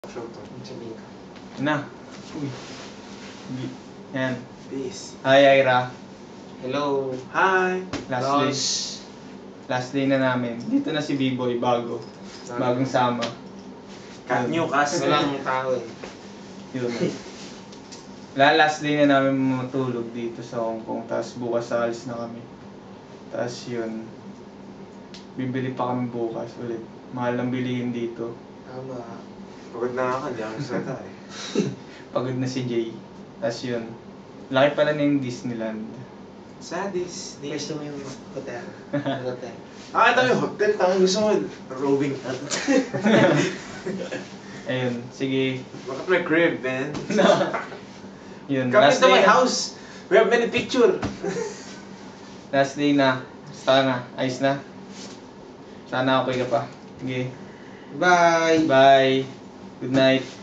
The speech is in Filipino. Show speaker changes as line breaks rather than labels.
Sabihin ka.
Na. Uy. Yan.
Peace.
Hi, Ira.
Hello. Hi.
Last day na namin. Dito na si B-Boy, bago. Bagong sama.
New cast. Walang tao eh.
Yun. Last day na namin matulog dito sa Hong Kong. Tapos bukas alis na kami. Tapos yun. Bibili pa kami bukas ulit. Mahal lang bilihin dito.
Tama. Pagod na ako, di ako salita eh.
Pagod na si Jay. Tapos yun. Laki pala na yung Disneyland.
Sadis.
Gusto mo yung hotel? Hotel.
Ito yung hotel. Tangan gusto mo. Roving.
Ayun. Sige.
Look at my crib, man.
Yun.
Come
Last
into
day
my
na.
house. We have many picture.
Last day na. Basta na. Ayos na. Sana okay ka pa. Sige.
Bye.
Bye. Good night.